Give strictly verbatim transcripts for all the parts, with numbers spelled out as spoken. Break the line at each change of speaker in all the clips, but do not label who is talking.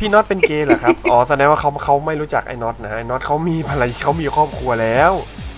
พี่น็อตเป็นเกย์เหรอครับอ๋อแสดงว่าเขาเขาไม่รู้จักไอ้น็อตนะไอ้น็อตเขามีภรรยาเขามีครอบครัวแล้ว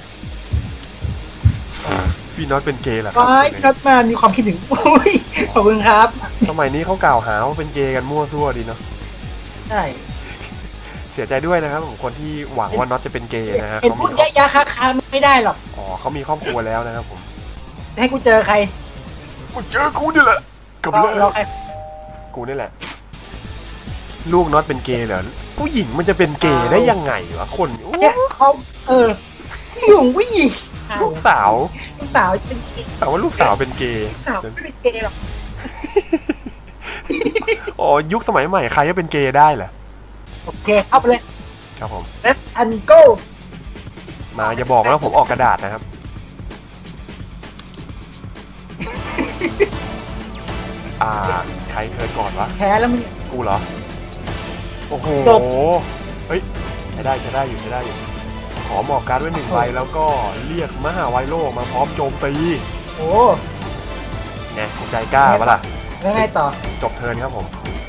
พี่น็อตเป็นเกย์เหรอครับ
ไม่พี่น็อตมามีความคิดถึงอุ้ยขอบคุณครับ
สมัยนี้เขากล่าวหาว่าเป็นเกย์กันมั่วซั่วดีเนาะ
ใช่
เสียใจด้วยนะครับผมคนที่หวังว่าน็อตจะเป็นเกย์นะฮะ
เห็น
เขา
พู
มี
ดยะยะคาคาไม่ได้หรอก
อ๋อเขามีครอบครัวแล้วนะครับผม
ให้กูเจอใคร
กูเจอกูนี่แหละกับ
เรา
เล
เรา
ย
ใคร
กูนี่แหละ ลูกน็อตเป็นเกย์เหรอผู้หญิงมันจะเป็นเกย์ได้ยังไงวะคนโอ้
เนี่ยเขาเออผู้หญิงผู้หญิง
ลูกสาว
ลูกสาวเป็นเกย์
แต่ว่าลูกสาวเป็นเกย์
ลูกสาวไม่เป็นเกย์หรอก
อ๋อยุคสมัยใหม่ใครจะเป็นเกย์ได้เหรอ
โอเคเข้าไปเลย
ครับผม
let's and go
มาอย่าบอกนะผมออกกระดาษนะครับ อ่าใครเคิร์ดก่อนวะ
แพ้แล้วมึง
กูเหรอ โอ้โห
จบ
เฮ้ยใช้ได้ใช้ได้อยู่ใช้ได้อยู่ ขอหมอบการ์ดไว้หนึ่งใบแล้วก็เรียกมหาไวโลมาพร้อมโจมตี
โอ้
เนี่ยใจกล้าปะล่ะ
แล้วไงต่อ
จบเทิร์นครับผม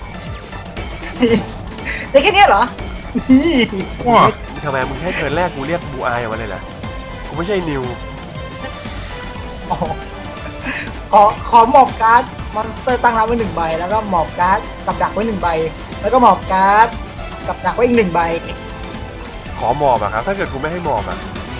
ได้แค่เนี้ยเหรอนี่
ทำไมมึงให้เทิร์นแรกกูเรียกบูอายออกมาเลยเหรอ กูไม่ใช่นิว
อ๋อขอขอหมอบการ์ดมอนสเตอร์ตั้งรับไว้หนึ่งใบแล้วก็หมอบการ์ดกับดักไว้หนึ่งใบแล้วก็หมอบการ์ดกับดักไว้อีกหนึ่งใบ
ขอหมอบอะครับ ถ้าเกิดกูไม่ให้หมอบอะ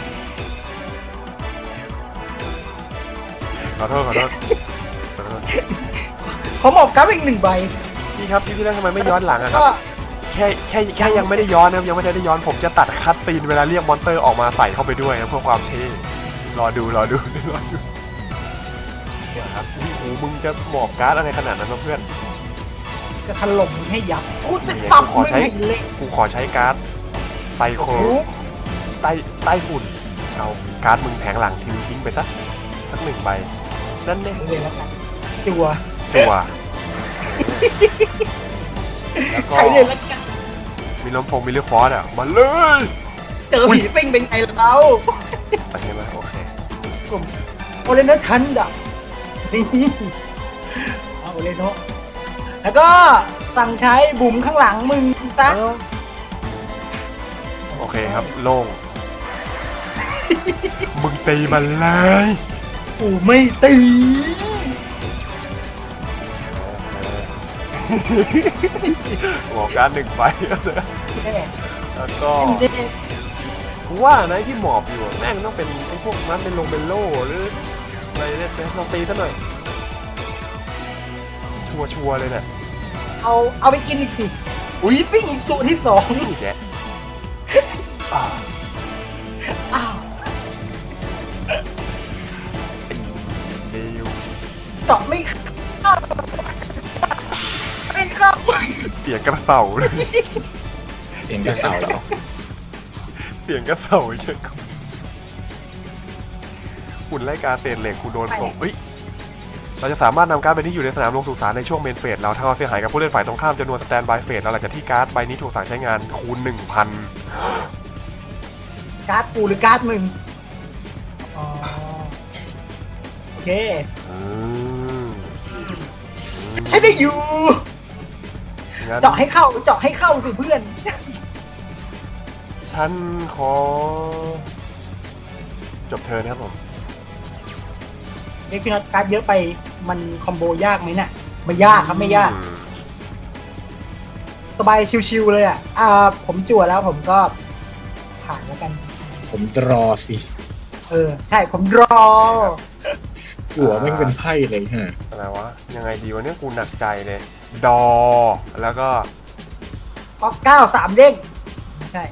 ขอโทษขอโทษขอโทษ
ขอหมอบการ์ดไว้อีกหนึ่งใบ
พี่ครับที่ที่แล้วทำไมไม่ย้อนหลังอะครั
ก็
บ แค่แค่แค่ยังไม่ได้ย้อนนะครับยังไม่ได้ย้อนผมจะตัดคัตซีนเวลาเรียกมอนเตอร์ออกมาใส่เข้าไปด้วยนะเพื่อความเท่รอดูรอดูรอดูเดี๋ยวครับโอ้โหมึงจะหมอบการ์ดอะไรขนาดนั้นวะเพื่อน
จะถล่มมึงให้ยับกูจะสับมึงให้เละ
กูขอใช้การ์ดไซโครใต้ใต้ฝุ่นเอาการ์ดมึงแผงหลังทิ้งทิ้งไปซะสักหนึ่งใบนั่นเอง
เลยแล้วกันจัว
ตัวแล้วก็
ใช้เลยแล้วกัน
มีลมพงมีเลือดฟอสอ่ะมาเลย
เจอผีซิ่งเป็นไงเรา
โอเคไหมโอเค
โอเลนทันดับนี่เอาโอเลนโนแล้วก็สั่งใช้บุ๋มข้างหลังมึงซะ
โอเคครับโล่งมึงตีมันเลย
กูไม่ตี
หัวการดหนึ่งใบแล้ว
แน่
แล้วก็
เด็ด
กูว่านะที่หมอบอยู่แม่งต้องเป็นไอ้พวกนั้นเป็นลงเป็นโล่หรืออะไรเนี่ยเป็นลองตีซะหน่อยชัวชัวร์ๆเลยเนี่ย
เอาเอาไปกินอีกสิอุ้ยปิ้งอีกตัวที่สอง
นี่แก
อ้าวอ้าว
ตีเดียว
เจาะไม่เข้าไม่เข้า
เสียงกระเสาเลย
เองก็เสาแล้ว
เสียงกระเสาเยอะหุ่นไล่กาเศษเหล็กกูโดนผมเฮ้ยเราจะสามารถนำการ์ดใบนี้อยู่ในสนามลงสู่สารในช่วงเมนเฟสเราถ้าเราเสียหายกับผู้เล่นฝ่ายตรงข้ามจำนวนสแตนบายเฟสเราหลังจากที่การ์ดใบนี้ถูกสั่งใช้งานคูณ หนึ่งพัน
การ์ดกูหรือการ์ดมึงอ๋อโอเค
อืม
ใช่ได้อยู่
งั้น
เจาะให้เข้าเจาะให้เข้าสิเพื่อน
ฉันขอจบเทิร์นครับผม
เอ็กซ์พีนอตการ์ดเยอะไปมันคอมโบยากไหมเนี่ยไม่ยากครับไม่ยาก
อืม
สบายชิวๆเลยอ่ะอ่าผมจั่วแล้วผมก็ผ่านแล้วกัน
ผมรอสิ
เออ ใช่ผมรอ
หัวแม่งเป็นไพ่เลยฮะ
อะไรวะยังไงดีวะเนี่ยกูหนักใจเลยดอแล้วก็
ก็เก้าสามเด้งไม่ใช่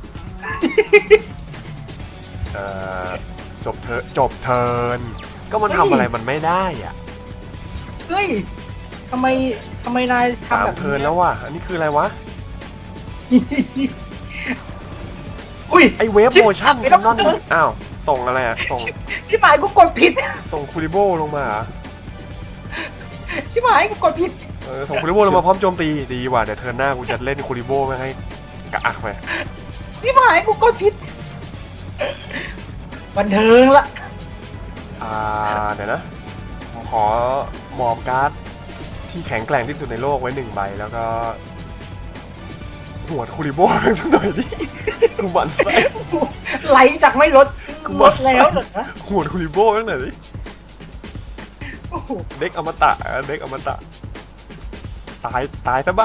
เอ่อจบเทิร์นจบเทิร์นก็มันทำอะไรมันไม่ได้อ่ะ
เฮ้ยทำไมทำไมนาย
สา
ทำ
ม
แบบ
เทิร์นแล้วว่ะอันนี้คืออะไรวะ
อุ้ย
ไอเวฟ
ชิบ
โมชั่น
ไม่
แค
ต้อน ง
นอนอ้าวส่งอะไรอ่ะส่ง
ชิบหายกูกดผิด
ส่งคูริโบลงมาเหรอ
ชิบหายกูกดผิด
เออส่งคูริโบลงมาพร้อมโจมตีดีว่ะเดี๋ยวเทิร์นหน้ากูจะเล่นคูริโบไม่ให้กระอักไป
ชิบหายกูกดผิดบันเทิงละ
อ่าเดี๋ยวนะผมขอมอบการ์ดที่แข็งแกร่งที่สุดในโลกไว้หนึ่งใบแล้วก็หวดคูริโบ้สักหน่อยดิกูหมันไส้
ไหลจากไม่ลด
กู
ล
บอก
ดแล้วเหรอ
หวดคูริโบ้สักหน่อยดิ
โอ้โห
เด็กอมตะเด็กอมตะตายตายซะบ้าง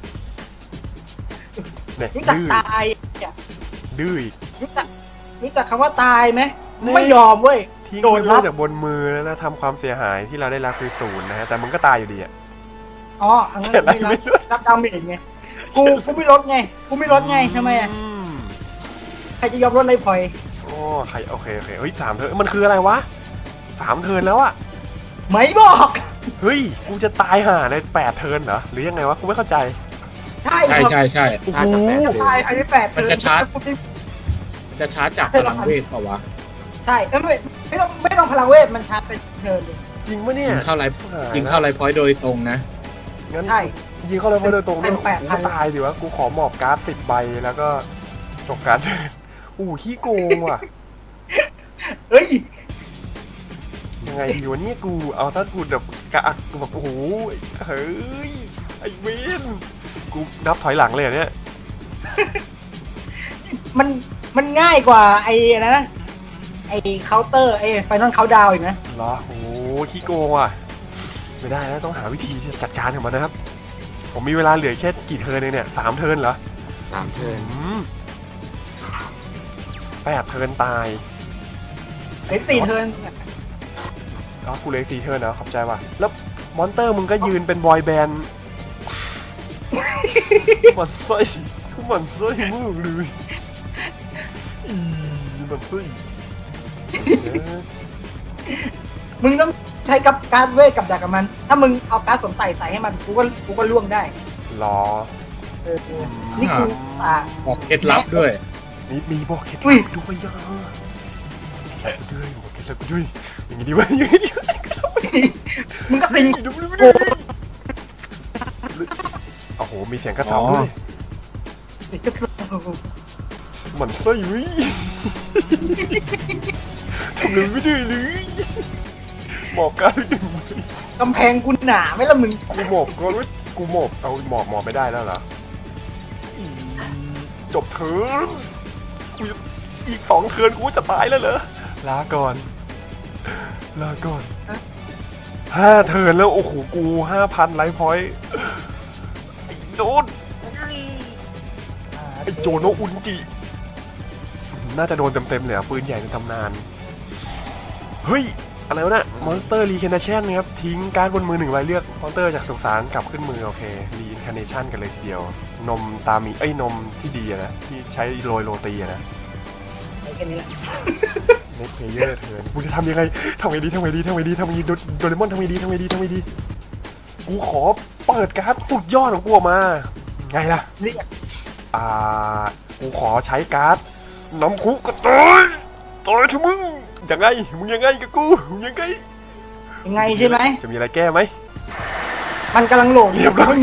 เนี่ย
รู้จัก
ดื้อ
ตายอ่ะ
ดื้ออีก
รู้จักรู้จักคำว่าตายไหม
นี่
ไม่ยอมเว้ย
ทิ้ง
โดน
มัน
รั
ไว้
บ
จากบนมือแล้วนะทำความเสียหายที่เราได้รับคือศูนย์นะฮะแต่มึงก็ตายอยู่ดีอะ
อ๋ออันนั้น
เห็นอะไร
ไม่
ไม่
รับ
รู้
รับดาเมจไงกูกูไม่ลดไงกูไม่ลดไงทำไมอ่ะ
ม
ใครจะยอมลดเลยพลอย
โอ้ใครโอเคโอเคเฮ้ยสามเทิร์นมันคืออะไรวะสามเทิร์นแล้วอะ
ไม่บอก
เฮ้ยกูจะตายห่าในแปดเทิร์นเหรอหรือยังไงวะกูไม่เข้าใจ
ใช่
ใช่
ครับ
ใช่ใช่
โอ้โห
น่าจะแปด
ตายภายในแปด
มันจะชาร์จ มันจะชาร์จจากพลังเวทเปล่าวะ
ใช่เอ้ยไม่ไม่ต้องไม่ต้องพลังเวทมันชาร์จเป็นเทิร์นเลย
จริงปะเนี่ย
ยิงเข้าไลฟ์ยิงเข้าไลฟ์พอยต์โดยตรงนะ
งั้น
ใช่
ยิงเข้าเลยมาโดยตรงด้วย
เป็นแปด
กู
พั
ก็
น
ตายดิวะกูขอหมอบการ์ดสิบใบแล้วก็จบการเดินอู้ขี้โกงว่ะ
เอ้ย
ยังไงดีวะเนี่ยกูเอาถ้ากูแบบกะอักกูแบบโอ้โหเฮ้ยไอ้เวนกูนับถอยหลังเลยเหรอเนี่ย
มันมันง่ายกว่าไอ้นะนะไอ้เคาน์เตอร์ไอ้ไฟนอลเคาน์ดาวอีกนะ
เหรอโอ้โหขี้โกงว่ะไม่ได้แล้วต้องหาวิธีที่จะจัดการกับมันนะครับ ผมมีเวลาเหลือแค่กี่เทิร์นเองเนี่ยสามเทิร์นเหรอ
สามเทิร์น
อืมแปดเทิร์นตาย
ไอ้สี่เทิร์น
อ๋อกูเลยสี่เทิร์นนะขอบใจว่ะแล้วมอนเตอร์มึงก็ยืนเป็นบอยแบนด์ มันไส้มันไส้มึงเลยอีมันไส้เออ
มึงต้องใช้กับการ์ดเวทกับดักกับมัน ถ้ามึงเอาการ์ดสวมใส่ใส่ให้มันกูก็กูก็ล่วงได้
รอ
เออเออนี่กูสา
บอกเคล็ดลับด้วย
นี่มีบอกเคล็ด
อุ้
ลั
ย
บด้วยย่าเคล็ดลับด้วยบอกเคล็ดลับด้วยอย่างงี้ดีวะอย่างงี้ดีวะ
มึงก็ติง
ดูดูดูโอ้โหมีเสียงกระเซาด้วย มันไส้วิทำเลยไม่ได้เลยหมอบการไปหนึ่งมือก
ำแพงกูหนาไหมล่ะมึง
กูหมอบก็รู้กูหมอบเอาหมอบหมอบไม่ได้แล้วเหรออีจบเทิร์นกูอีกสองเทิร์นกูจะตายแล้วเหรอลาก่อนลาก่อนห้าเทิร์นแล้วโอ้โหกูห้าพันไลฟ์พอยต์ไอ้โดนไอ้โจโนอุนจิน่าจะโดนเต็มๆเลยอ่ะปืนใหญ่ในตำนาน เฮ้ย อะไรวะเนี่ยมอนสเตอร์รีเคนเชนนะครับ ทิ้งการ์ดบนมือหนึ่งใบเลือกมอนสเตอร์จากสุสานกลับขึ้นมือ โอเครีอินคาเนชันกันเลยทีเดียว นมตามีเอ้ย นมที่ดีอะนะ ที่ใช้โรยโรตีอะนะ
แค่นี้แหละ
เน็ตเพเยอร์เทิร์นกูจะทำยังไงทำไงดีทำไงดีทำไงดีทำไงดีโดโดเรมอนทำไงดีทำไงดีทำไงดี กูขอเปิดการ์ดสุดยอดของกูออกมา ไงล่ะ
เรียก
อ่า กูขอใช้การ์ดน้ำคุกกระต่อยต่อยทุมึงยังไง มึงยังไงกับกู มึงยังไง
ยังไงใช่ไหม
จะมีอะไรแก้ไหม
มันกำลังโหลด
เรียบร้อย
ไม่มี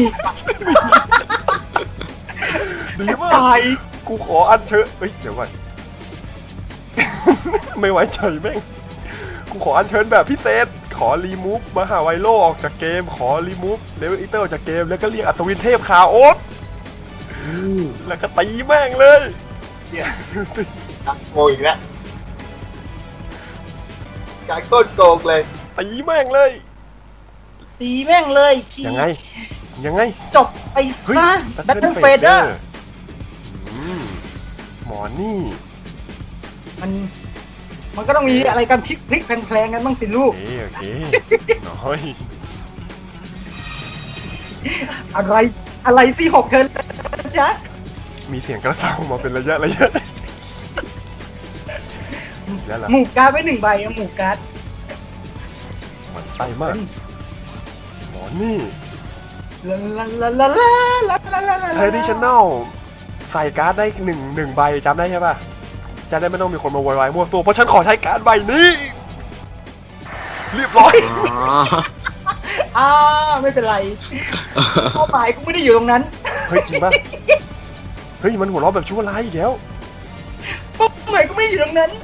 ดีมาก
ตาย
กูขออัญเชิญเฮ้ย เดี๋ยวก่อน ไม่ไว้ใจแม่ง กูขออัญเชิญแบบพิเศษ ขอรีมูฟมหาไวโลออกจากเกม ขอรีมูฟเลเวลอีเตอร์ออกจากเกม แล้วก็เรียกอัศวินเทพคาโอสแล้วก็ตีแม่งเลย
โกงอีกแล้วการโคตรโกงเลย
ตีแม่งเลย
ตีแม่งเลยที
ยังไง ยังไง
จบไป
เฮ้ย
ซะ
ตั
แบท
เทิ
เทิ
ล
ล
เฟ
เฟ
เด
เด
อ
อร์
ร์หมอนี่
มัน มันก็ต้องมีอะไรกันพลิกพลิกแพลงๆกันบ้างสิลูก
โอเคโอเค น้อย
อะไร อะไรที่หกเทิร์นจ๊ะ
มีเสียงกระเซามาเป็นระยะระยะแล้วล่ะ
หมู่การ์ดไว้หนึ่งใบอะหมู่การ์ด
มันไส้มาก หมอนี่
ลาลาลาลาลาลาลาลาลา
traditional ใส่การ์ดได้หนึ่งหนึ่งใบจำได้ใช่ป่ะ จะได้ไม่ต้องมีคนมาโวยวายมั่วตัวเพราะฉันขอใช้การ์ดใบนี้ เรียบร้อย
อ๋อ
อ่าไม่เป็นไรเป้าหมายกูไม่ได้อยู่ตรงนั้น
เฮ้ยจริงป่ะ เฮ้ยมันหัวเราะแบบชั่วร้ายอีกแล้ว
เป้าหมายกูไม่ได้อยู่ตรงนั้น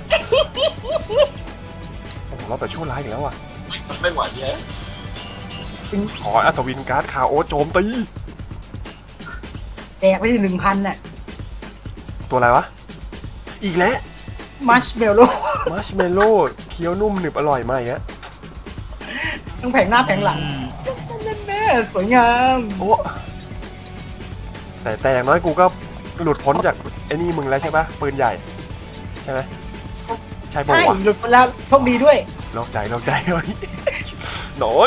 หัวเราะแบบชั่วร้ายอีกแล้วอ่ะ
ไม่ไหวเยอะ
ขออัศวินการ์ดคาโอสโจมตี
แจกไปหนึ่งพันน่ะ
ตัวอะไรวะ อีกแล้ว
มัชเมลโล่
มัชเมลโล่เคี้ยวนุ่มหนึบอร่อยมากอย่างเงี้ย
ทั้งแผงหน้าแผงหลังแน่ๆสวยงาม
โอ้แต่แต่อย่างน้อยกูก็หลุดพ้นจากไอ้นี่มึงแล้วใช่ปะปืนใหญ่ ใช่ไหมใช่ปะ
ใช่
วะ
หลุดไปแล้วโชคดีด้วย
โลกใจโลกใจเฮ้ยหน่อย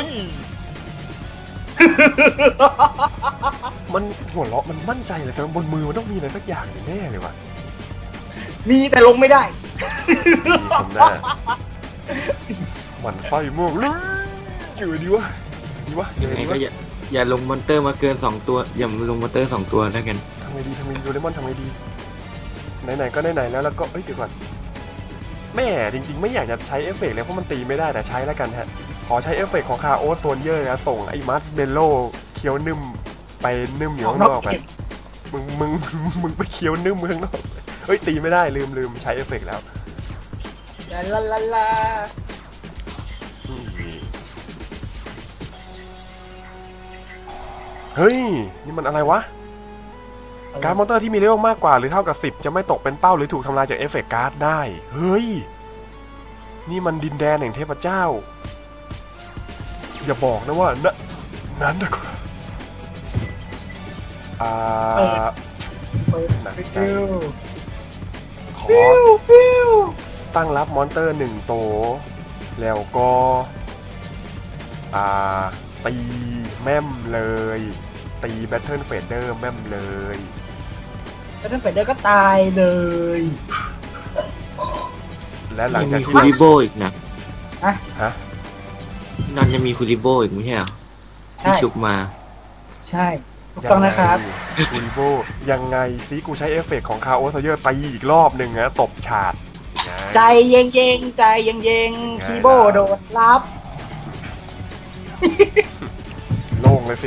มันหัวเราะมันมั่นใจเลยแต่บนมือมันต้องมีอะไรสักอย่างแน่เลยวะ
มีแต่ลงไม่ได้
มีคนหน้าหมันไฟม่วงเลยอยู่ดีวะดีวะ
ยังไงก็อย่าอย่าลงมอนเตอร์มาเกินสองตัวอย่าลงมอนเตอร์สองตัวแล้วกัน
ทำไงดีทำไงดีโดเรมอนทำไงดีไหนๆก็ไหนๆแล้วแล้วก็เอ้ยเดี๋ยวก่อนแม่จริงๆไม่อยากจะใช้เอฟเฟกต์เลยเพราะมันตีไม่ได้แต่ใช้แล้วกันฮะขอใช้เอฟเฟกต์ของคาโอสโซนเยอร์นะส่งไอ้มัสเบลโลเคี้ยวนึ่มไปนึ่มอยู่ข้างนอกไปมึงมึงมึงไปเคี้ยวนึ่มข้างนอกเฮ้ยตีไม่ได้ลืมลืมใช้เอฟเฟกต์แล้ว
ลาลาลาลา
เฮ้ยนี่มันอะไรวะการ์ดมอนเตอร์ที่มีเลเวลมากกว่าหรือเท่ากับสิบจะไม่ตกเป็นเป้าหรือถูกทำลายจากเอฟเฟกต์การ์ดได้เฮ้ยนี่มันดินแดนแห่งเทพเจ้าอย่าบอกนะว่านะนั้นนะครับอ่า
เปิด
หนักใจ
ฟิว
ขอ
ฟิวฟิว
ตั้งรับมอนเตอร์หนึ่งโตวแล้วก็อ่าตีแม่มเลยตีแบทเทิลเฟเดอร์แม่มเลย
แล้วถ้าเปิดได้ก็ตายเลย
และหลัง
ยัง
จาก
มี
ที่
คูริโบอีกนะ
ฮะ
นอนยังมีคูริโบอีกไม่ใช่เหรอที่ชุบมา
ใช่ถูกต้องนะครับ
คุณโบยังไงซิกูใช้เอฟเฟกต์ของคาโอสเยอร์ตีอีกรอบหนึ่งนะตบฉาดไง
ใจเย็งเยงๆใจเย็งเยง
ไง
คีโบโดนรับ
โล่งเลยสิ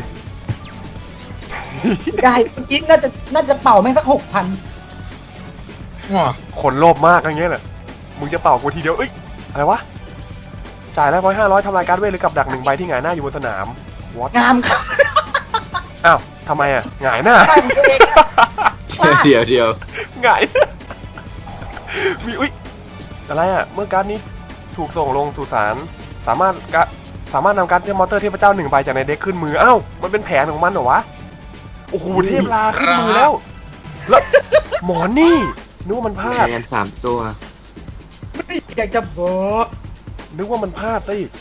ได้เมื่อกี้น่าจะน่าจะเป่าแม่งสักหกพัน
ว้า
คนโลภมากอย่างเงี้ยเหรอมึงจะเป่ากูทีเดียวเอ้ยอะไรวะจ่ายแล้วร้อยห้าร้อยทำลายการ์ดเวทหรือกับดักหนึ่งใบที่หงายหน้าอยู่บนสนามวอต
งามครับ
อ้าวทำไมอ่ะหงายหน้า
ใช่ของตัวเองครับ
เดี๋ยวเดี๋ยว
หงาย มีอุ้ยอะไรอ่ะเมื่อการ์ดนี้ถูกส่งลงสู่ศาลสามารถกะสามารถนำการ์ดเทพมอนเตอร์เทพเจ้าหนึ่งใบจากในเด็กขึ้นมือเอ้ามันเป็นแผนของมันเหรอวะโอ้โหเทพลาขึ้นมือแล้วแล้วหมอนี่นึกว่ามันพลา
ใช้
ด
กันสามตัว
ไม่อยากจะบอก
นึกว่ามันพลาดซะอีก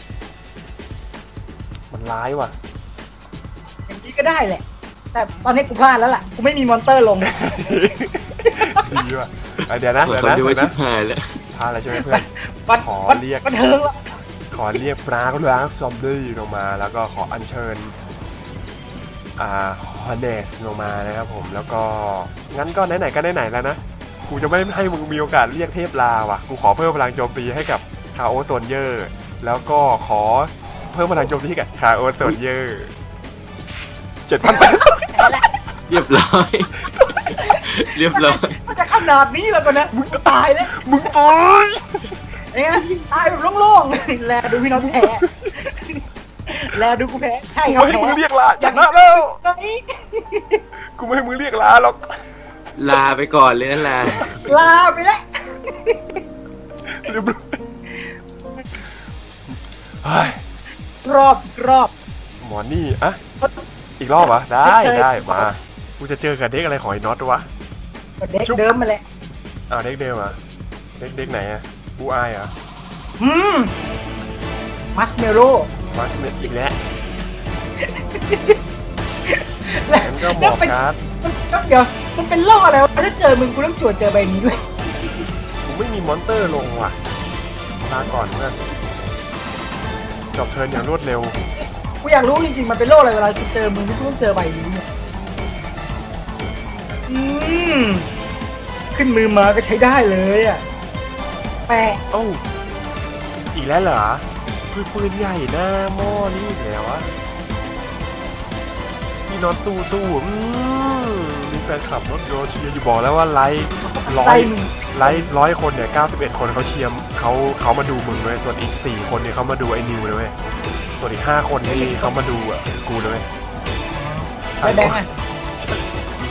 มันร้ายว่ะ
อย่างนี้ก็ได้แหละ แต่ตอนนี้กูพลาดแล้วล่ะกูไม่มีมอนเตอร์ลง
ดีว่ะอ่ะเดี๋ยวนะ
ขอ
เดี๋ยว
เขา
นะ
ดู
เดี๋ยว
ว่าชิ
นะ
บหายแล้ว
พลาดอะไรใช่ไหมเพื่อน
วัด
ขอ
วัด
เรียก
วัดเทิงละ
ขอเรียกปลาก็ล้างซอมบี้ลงมาแล้วก็ขออัญเชิญอ่าฮอนเนสลงมานะครับผมแล้วก็งั้นก็ไหนๆก็ไหนๆแล้วนะกูจะไม่ให้มึงมีโอกาสเรียกเทพลาว่ะกูขอเพิ่มพลังโจมตีให้กับคาโอโซนเยอร์แล้วก็ขอเพิ่มพลังโจมตีให้กับคาโอโซนเยอร์เจ็ดพันแปด
เรียบร้อย เรียบร้อย
มันจะขนาดนี้แล้วก็นะมึงก็ตายแล้ว
มึงตาย
เอ้ยตายแบบโล่งๆ แลดูพี่น้องแพ้แลดูกูแพ้ใช่
กู
ครับ
ไม่ให้
แพ้
มึงเรียกลาชนะแล้ว
ตอนนี้
กูไม่ให้มึงเรียกลาหรอก
ลาไปก่อนเลยนะลา
ลาไปแล้ว
เรียบร้อยเฮ้ย
รอบรอบ
หมอนี่อะอีกรอบเหรอได้
เชิญ
ได้มากูจะเจอกับเด็กอะไรของไอ้น็อตวะ
เด็กเดิมมาแหละ
อ้าวเด็กเดิมเหรอ่ะเด็กเด็กไหนอ่ะบูอายเหรอ่ะ
อืมมัสเมโล
มาสเนตอีกแล้ว
แล้ว
งั้นก็หม
แล้ว
อบ
เป็น
การ์ด
มันเดี๋ยวมันเป็นโรคอะไรวะถ้าเจอมึงกูต้องจวดเจอใบนี้ด้วย
กูไม่มีมอนเตอร์ลงว่ะลาก่อนเพื่อนจบเทิร์นอย่างรวดเร็ว
กูอยากรู้จริงๆมันเป็นโรคอะไรเวลากูเจอมึงกูต้องเจอใบนี้เนี่ยอืมขึ้นมือมาก็ใช้ได้เลยอ่ะแปะ
เอ้าอีกแล้วเหรอปืนปืนใหญ่หน้าหม้อนี่อีกแล้วอะพี่น็อตสู้สู้อืมมีแฟนคลับน็อตโยเชียร์อยู่บอกแล้วว่าไลค์ร้อ
ไล่
ย
มึง
ไลค์ร้อยคนเนี่ยเก้าสิบเอ็ดคนเขาเชียร์เขาเขามาดูมึงเลยส่วนอีกสี่คนเนี่ยเขามาดูไอ้นิวเลยเว้ยส่วนอีกห้าคนนี่เขามาดูอ่ะกูเลยเว้ยใช่
ไปแบงค์อ่ะ
ม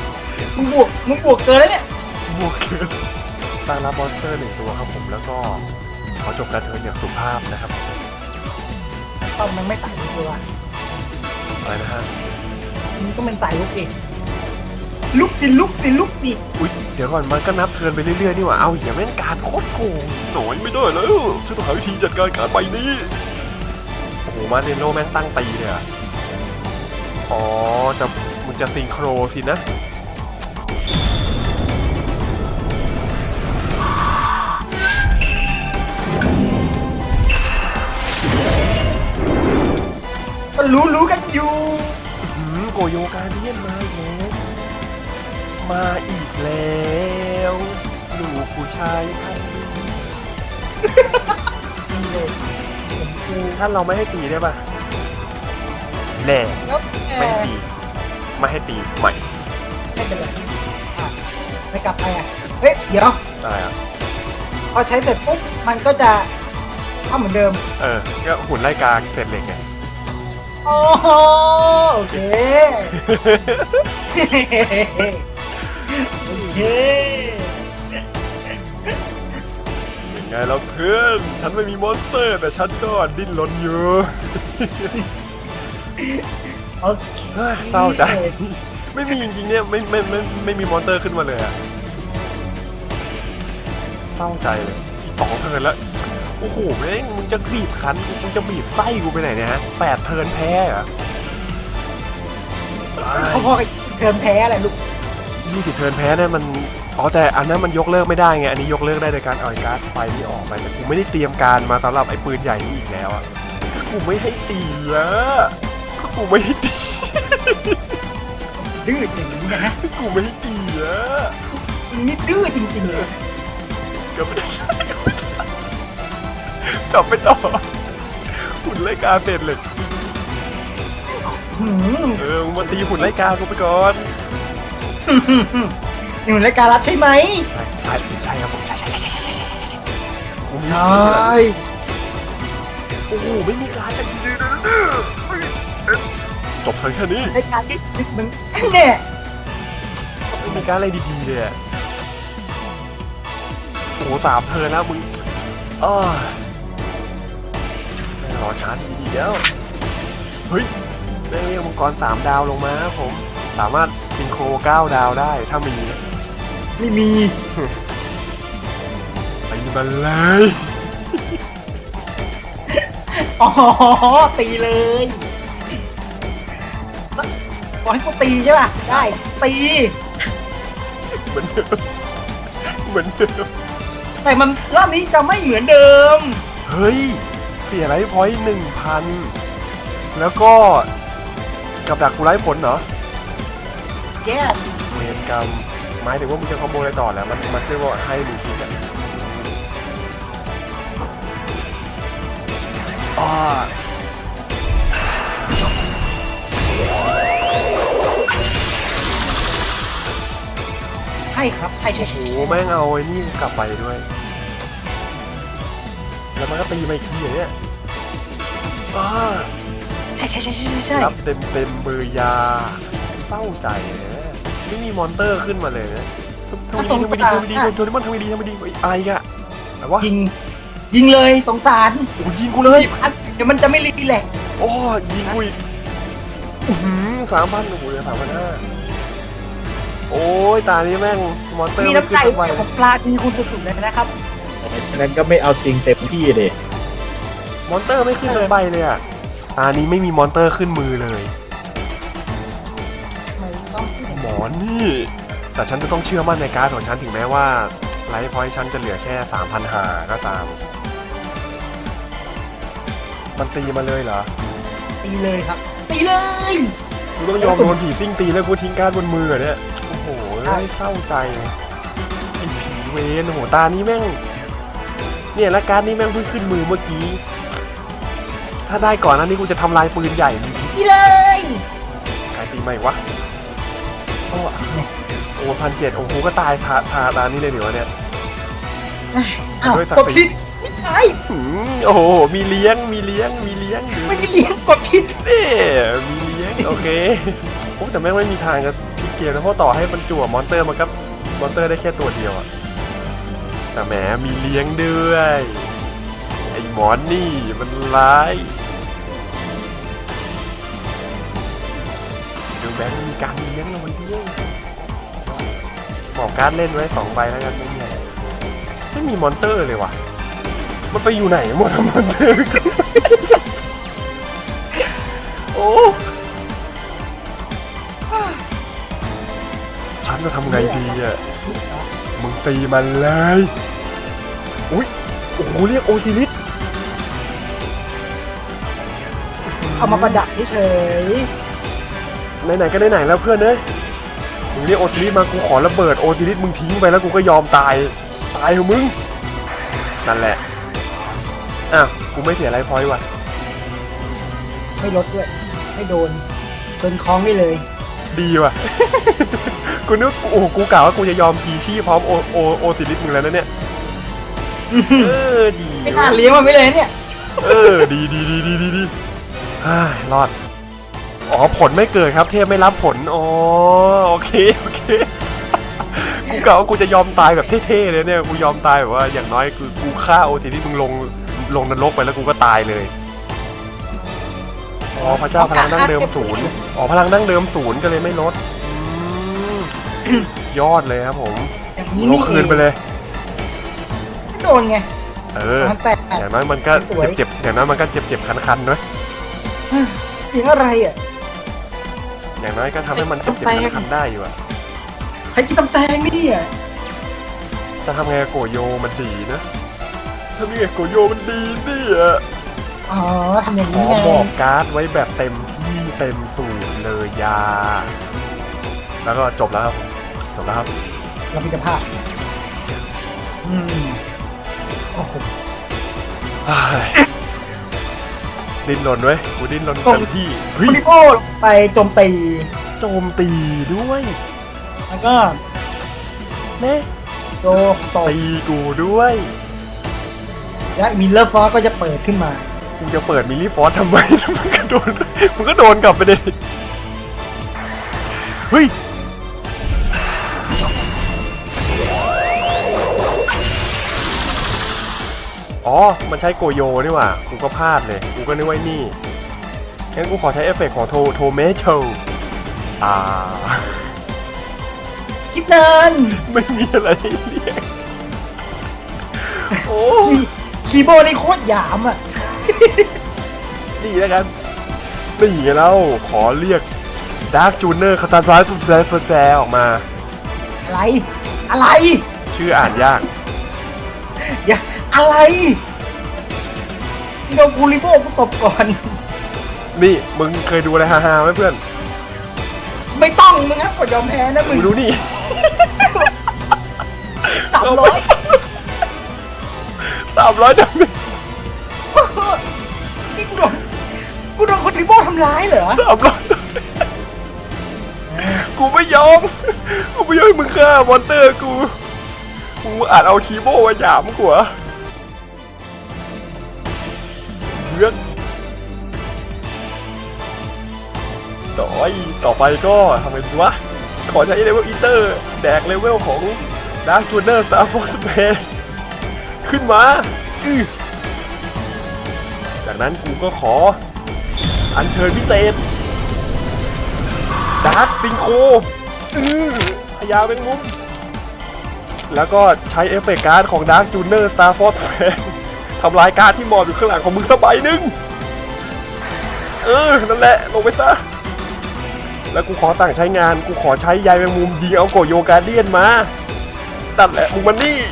มึงบวกมึงบวกเกินแล้วเนี่ย
บวกเกินตั้งรับมอนสเตอร์หนึ่งตัวครับผมแล้วก็ขอจบการเทิร์นอย่างสุภาพนะครับ
ตอนมันไม่สายลุกเลยว่ะ
อะไรนะฮะ
มึงก็เป็นสายลุกเองลุกสิลุกสิลุกสิ
อุ๊ยเดี๋ยวก่อนมันก็นับเทิร์นไปเรื่อยๆนี่หว่าเอาเหี้ยแม่งการโคตรโกงหน่อยไม่ได้แล้วฉันต้องหาวิธีจัดการการใบนี้โอ้โหมาเนโนแม่งตั้งตีเลยอะอ๋อจะมันจะซิงโครสินะ
ก็รู้รู้กันอยู่
หืมโกโยการเดียนมาอีกแล้วมาอีกแล้วลูกผู้ชายพันธุ์
นี่เลยผมกู
ท่านเราไม่ให้ตีได้ปะแน่
แล้วแก
ไม่ให้ตีไม่ให้ตีใหม่
ไม่เป็นไรอ่ะไม่กลับไปอ่ะเฮ้ยเดี๋ยว
อะไรอ่ะ
พอใช้เสร็จปุ๊บมันก็จะทำเหมือนเดิม
เออก็หุ่นไล่กาเสร็จเหล็กไง
โอ้โหโอเคโอเค
ยังไงแล้วเพื่อนฉันไม่มีมอนสเตอร์แต่ฉันก็ดิ้นรนอยู่
โอเค
เฮ้ยเศร้าใจ ไม่มีจริงๆเนี่ยไม่ไม่ไม่ไม่มีมอนสเตอร์ขึ้นมาเลยอะเศร้าใจเลยอีกสองเทิร์นแล้วโอ้โหแม่งมึงจะบีบคั้นกูมึงจะบีบไส้กูไปไหนเนี่ยฮะแปดเทิร์นแพ้เหรอ
เขาพอกับเกินแพ้อะไรลูก
ยี่สิบเทิร์นแพ้เนี่ยมันอ๋อแต่อันนั้นมันยกเลิกไม่ได้ไงอันนี้ยกเลิกได้โดยการเอาไอ้การ์ดไฟนี้ออกไปแต่กูไม่ได้เตรียมการมาสำหรับไอ้ปืนใหญ่นี้อีกแล้วอะก็กูไม่ให้ตีอะก็กูไม่ให้ตี
ดื้ออย่างนี้นะ
ก็กูไม่ให้ตีอะ
มึงนี่ดื้อจริงๆเลย
กลับไปกลับไปต่อหุ่นไล่กาเสร็จเลย
หืม
เออมึงมาตีหุ่นไล่กากูไปก่อน
อยู่ในรายการรับใช่ไหม
ใช่ใช่ใช่ครับผมใช่ใช่ใช่ใช่ใช่ใช่ใช่ใช่กูมี
ใช
ปืนอะ
่
โอ้โหไม่มีการกันดีเลยจบเทิร์นแค่นี้
รายการที่มึงเนี่ย
ไม่มีการอะไรดีๆเลยอะโอ้โหสามเทิร์นแล้วมึงอ้อรอชาร์จดีๆแล้วเฮ้ยได้เรียกมังกรสามดาวลงมาครับผมสามารถซิงโครเก้าดาวได้ถ้ามีนะ
ไม่มี
ไปมันเลย
อ๋อตีเลยบอกให้กูตีใช่ป่ะได้ตี
เหมือนเดิมเหมือนเดิม
แต่มันรอบนี้จะไม่เหมือนเดิม
เฮ้ยเสียไลฟ์พอยต์หนึ่งพันแล้วก็กับดักกูไร้ผลเหรอ
แย่
เวรกรรมหมายถึงว่ามึงจะคอมโบอะไรต่อแล้วมันมันคือว่าให้ดูคิดกันอ่า
ใช่ครับใช่ใช่ใช่
โอ้โหแม่งเอาไอ้นี่กลับไปด้วย แล้วมันก็ตีมาอีกทีอย่างเนี้ยอ่า
ใช่ใช่ใช่ใช่ใช่
รับเต็มเต็มเบอร์ยาเศร้าใจนะไม่มีมอนเตอร์ขึ้นมาเลยนะทำไมดีทำไมดีทำไมดีโดนมันทำไมดีทำไมดีอะไรกะอะไรวะ
ยิงยิงเลยสงสาร
โอ้ยิงกูเลย
พันเดี๋ยวมันจะไม่รีแลกซ์
โอ้ยิงกูอีกสามพันโอ้โหเหลือสามพันห้าโอ้ยตานี้แม่งมอนเตอร์
มี
ไม่
น้ำ
ขึ้
ใจ
นสักใบ
เกี่ยวกับปลาดีคุณสุดๆเลยนะครับ
ฉะนั้นก็ไม่เอาจริงเต็มที่เด็
มอนเตอร์ไม่ขึ้นสักใบเลยอ่ะตานี้ไม่มีมอนเตอร์ขึ้นมือเลย
ไม่ต้องพูด
หมอนี่ แต่ฉันจะต้องเชื่อมั่นในการ์ดของฉันถึงแม้ว่าไลฟ์พอยต์ฉันจะเหลือแค่ สามพันห้าร้อย ก็ตาม มันตีมาเลยเหรอ
ตีเลยครับ ตีเลย
กูต้องยอมโดนผีซิ่งตีแล้วกูทิ้งการ์ดบนมือเหรอเนี่ย โอ้โหเศร้าใจไอ้ผีเวนโอ้โหตานี้แม่ง เนี่ยแล้วการ์ดนี้แม่งเพิ่งขึ้นมือเมื่อกี้ ถ้าได้ก่อนหนั้นนี้กูจะทำลายปืนใหญ่เลย
ตีเลย
ใครตีไม่วะโอ้โอ้พันเจ็ดโอ้โหก็ตายทาทาตานี้เลยเดี๋ยวะเนี่ย
อ้าว
ด้วยศัก
ก
ดิ์
ด
ศรี
ผิดไอ้
หืมโอ้โห มีเลี้ยง มีเลี้ยง มีเลี้ยง
ไม่ได้เลี้ยงกดผิด
เน่มีเลี้ยง โอเคโอ้แต่แม่งไม่มีทางจะพลิกเกมนะเพราะต่อให้มันจั่วมอนเตอร์มันก็มอนเตอร์ได้แค่ตัวเดียวอะแต่แหมมีเลี้ยงด้วยไอ้หมอนนี่มันร้ายดูแบงค์มีการเลี้ยงเราไว้ด้วยบอกการเล่นไว้สองใบแล้วกันไม่มีอะไรไม่มีมอนเตอร์เลยว่ะมันไปอยู่ไหนหมดมอนเตอร์โอ้ฉันจะทำไงดีอ่ะมึงตีมันเลยอุ้ยโอ้โหเรียกโอซิลิส
เอามาประดับเฉย
ไหนๆก็ไหนๆแล้วเพื่อนเอ้ยมึงเรียกโอซิลิสมากูขอระเบิดโอซิลิสมึงทิ้งไปแล้วกูก็ยอมตายตายเถอะมึงนั่นแหละอ้าวกูไม่เสียไรพอยต์ว่ะ
ๆไม่ลดด้วยไม่โดนโดนคล้องได้เลย
ดีว่ะ กูนึกโอ้โหกูกล่าวว่ากูจะยอมพีชี่พร้อมโอโอโอซิลิสมึงแล้วนะเนี่ยเออดี
ไม่น่าเลี้ยงมันไม่เลยเนี่ย
เออดีดีดีดีดีดีฮ่ารอดอ๋อผลไม่เกิดครับเทพไม่รับผลอ๋อโอเคโอเคกูกล่าวว่ากูจะยอมตายแบบเท่ๆเลยเนี่ยกูยอมตายแบบว่าอย่างน้อยคือกูฆ่าโอซิลิสมึงลงลงนรกไปแล้วกูก็ตายเลยอ๋อพระเจ้าพลังดั้งเดิมศูนย์อ๋อพลังดั้งเดิมศูนย์ก็เลยไม่ลดอืมยอดเลยครับผม
อย่างนี้
ล
นี่
งคืนไปเลย
ไม่โดนไง
เออ
มันแปลก
อย่างน้อยมันก็
สวย
เจ็บๆอย่างน้อยมันก็เจ็บๆคันๆด้วย
เสียงอะไรอ่ะ
อย่างน้อยก็ทำให้มันเจ็บ
แปลก
ๆคันๆได้อยู่อะ
ใครกินตำแตงนี่อ่ะ
จะทำไงกับโกโยมันดีนะทำยังไงโกโยมันดีเนี่ย
อ๋อทำอย่าง
ข
นี้
อ
ไง
บอกการ์ดไว้แบบเต็มที่เต็มสูตรเลยยา แล้วก็จบแล้วครับจบแล้วครับ
เราพิจภาพอืมโอ้โห
อ้ายดิ้นรนเว้ยกูดิ้นรน
ตรง
เต็มที่
คุ
เฮ้ย
ณิโก้ไปโจมตี
โจมตีด้วย
แล้วก็
เน่
โจตบ
ตีกูด้วย
และมิลเลอร์ฟอสก็จะเปิดขึ้นมา
กูจะเปิดมิลลี่ฟอร์สทำไม มึงก็โดนมึงก็โดนกลับไปเลยเฮ้ยอ๋อ มันใช้โกโยนี่หว่า กูก็พลาดเลย กูก็นึกว่านี่ งั้นกูขอใช้เอฟเฟกต์ของโทโทเมโตอ่า
คิดเดิน
ไม่มีอะไรให้เรียก โอ้
คีคีย์โบนี่โคตรหยามอ่ะ
นี่แล้วกัน นี่ไงแล้วขอเรียกดาร์คจูเนอร์คาตาซาสุดแซ่แซ่ออกมา
อะไร อะไร
ชื่ออ่านยาก
อย่าอะไรโดนคูริโบกูตบก่อน
นี่มึงเคยดูอะไรฮาๆไหมเพื่อน
ไม่ต้องมึงนะกดยอมแพ้นะมึ
มึ
ง
งดูนี่
สามร้อย
สามร้อยดาเมจ
นี่กูโดนกูโดนคูริโบทำร้ายเหรอ
สามร้อยกูไม่ยอม กูไม่ยอมให้มึงฆ่ามอนเตอร์กู กูอาจเอาคีโบมาหยามกูเหรอเลือกต่อยต่อไปก็ทำไงดีวะ ขอใช้เลเวลอีเตอร์ แดกเลเวลของดาร์คจูเนอร์สตาร์ฟอร์สเพย์ขึ้นมาอื้อจากนั้นกูก็ขอ อัญเชิญพิเศษดาร์คซิงโคอื้อพญาเป็นมุมแล้วก็ใช้เอฟเฟกต์การ์ดของดาร์คจูเนอร์สตาร์ฟอร์สเพย์ทำลายการ์ดที่หมอบอยู่ข้างหลังของมึงสักใบหนึ่งเออ นั่นแหละ ลงไปซะ แล้วกูขอสั่งใช้งาน กูขอใช้ยายแมงมุมยิงเอาโกโยการเดียนมาตัดแหละ มึงมานี่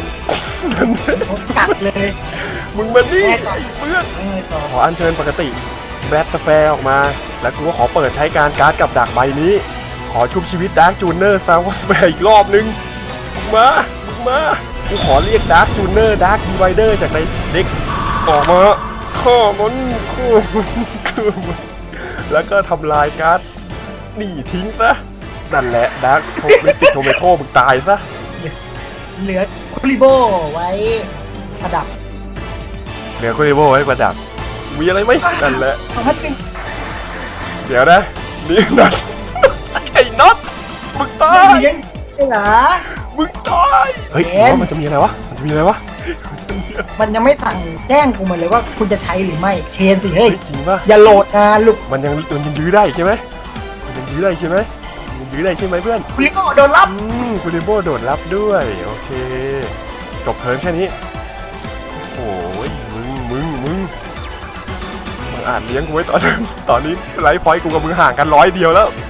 กัดเลย
มึงมานี่ไอ้เพื่อน
ยังไงต่อ
ขออัญเชิญปกติแบทสแฟร์ออกมา แล้วกูก็ขอเปิดใช้การการ์ดกับดักใบนี้ ขอชุบชีวิตดาร์คจูเนอร์สตาร์วอสแฟร์อีกรอบนึงมึงมา มึงมา กูขอเรียกดาร์คจูเนอร์ดาร์คดีไวเดอร์จากในเด็กออกมาข้อมันข้อมันข้อมันแล้วก็ทำลายการ์ดนี่ทิ้งซะ นั่นแหละดาร์คโทมิติโทเมโต้มึงตายซะ
เหลือคูริโบไว้ประดับ
เหลือคุริโบไว้ประดับ มีอะไรไหมนั่นแหละ
สองพันหนึ่ง
เดี๋ยวนะ นี่น็อต ไอ้น็อตตาย
เลี้ยงเหรอ
มึงตายเฮ้ย
เอ็น
ว่ามันจะมีอะไรวะมันจะมีอะไรวะ
มันยังไม่สั่งแจ้งกูมาเลยว่าคุณจะใช้หรือไม่เชนสิเฮ้
เฮ้
ย
ยจริงป่ะ
อย่าโหลดนะลูก
มันยังมันยังยื้อได้ใช่ไหมมันยังยื้อได้ใช่ไหมมันยังยื้อได้ใช่ไหมเพื่อน
คุณลิโก้โดนรับ
อืมคุณริโบโดดรับด้วยโอเคจบเทิร์นแค่นี้โอ้ยมึงมึงมึงมึงอ่านเลี้ยงกูไว้ตอนนั้นตอนนี้ไลฟ์พอยต์กูกับมึงห่างกันร้อยเดียวแล้ว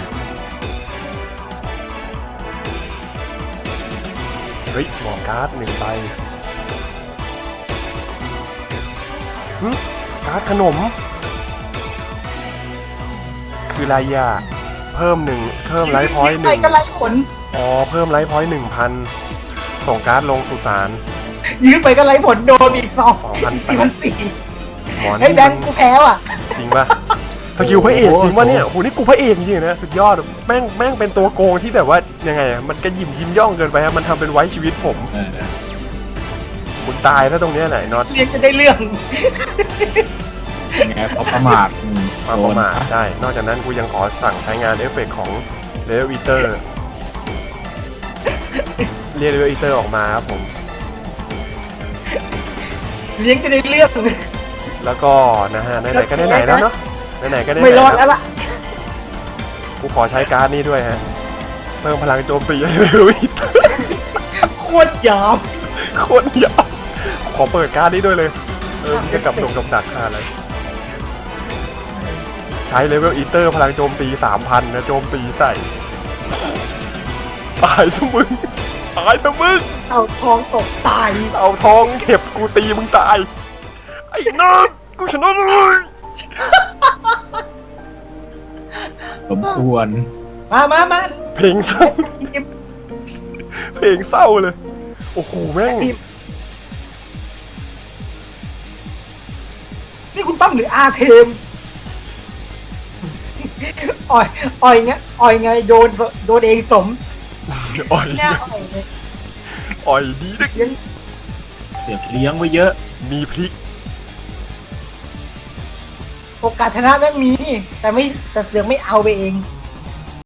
เฮ้ยหมอการ์ดหนึ่งใบหึการ์ดขนม คืออะไรอ่ะเพิ่มหนึ่งเพิ่มไลฟ์พอยต์ห
ไป
นึ่ง
ก็ไล่ผล
อ๋อเพิ่มไลฟ์พอยต์หนึ่งพันส่งการ์ดลงสุสาน
ยื้อไปก็ไล่ผลโดนอีกสอง
สองพันแปด
สี่พันสี่
หมอ
ไอ้
นี่
แบ
มั
ง
น
ค์กูแพ้ว่ะ
จริงป่ะสกิลพระเอกจริงป่ะเนี่ยโอ้โหนี่กูพระเอกจริงๆนะสุดยอดแม่งแม่งเป็นตัวโกงที่แบบว่ายังไงอะมันกระยิมยิ้มย่องเกินไปฮะมันทำเป็นไว้ชีวิตผม
เออ
มึงตายถ้าตรงเนี้ยไหนน็อต
เรียนจะได้เรื่อง
ยังไงเพราะประมาทอืม
มาประมาทใช่นอกจากนั้นกูยังขอสั่งใช้งานเอฟเฟกต์ของเลเวลอีเตอร์เรียกเลเวลอีเตอร์ออกมาครับผม
เลี้ยงจะได้เรื่อง
แล้วก็นะฮะไหนๆก็ไหนๆแล้วเนาะไหนๆก็ไหนๆ
ไม่รอด
แล้
แล้ว วล่ะ
กูขอใช้การ์ดนี้ด้วยฮะเพิ่มพลังโจมตีให้เลเวลอีเตอร์
โคตรหยาบ
โคตรยาวขอเปิดการ์ดนี้ด้วยเลย เออมันจะกลับดงกับดักหาอะไร ใช้เลเวลอีเตอร์พลังโจมตี สามพัน นะโจมตีใส่ ตายทั้งมึง ตายทั้งมึง
เอาทองตกตาย
เอาทองเห็บกูตีมึงตาย ไอ้นกกูชนะเลย
สมควร
มามามา
เพลงเศร้า เพลงเศร้าเลย โอ้โหแม่ง
นี่คุณตั้มหรืออาเทมอ่อยอ่อยไงอ่อยไงโดนโดนเองสม
อ่อย
หน้าอ่อยเลย
อ่อยดีนะ
เลี้ยง
เสือกเลี้ยงไว้เยอะ
มีพริก
โอกาสชนะแม่งมี แต่ไม่แต่เสือกไม่เอาไปเอง
อ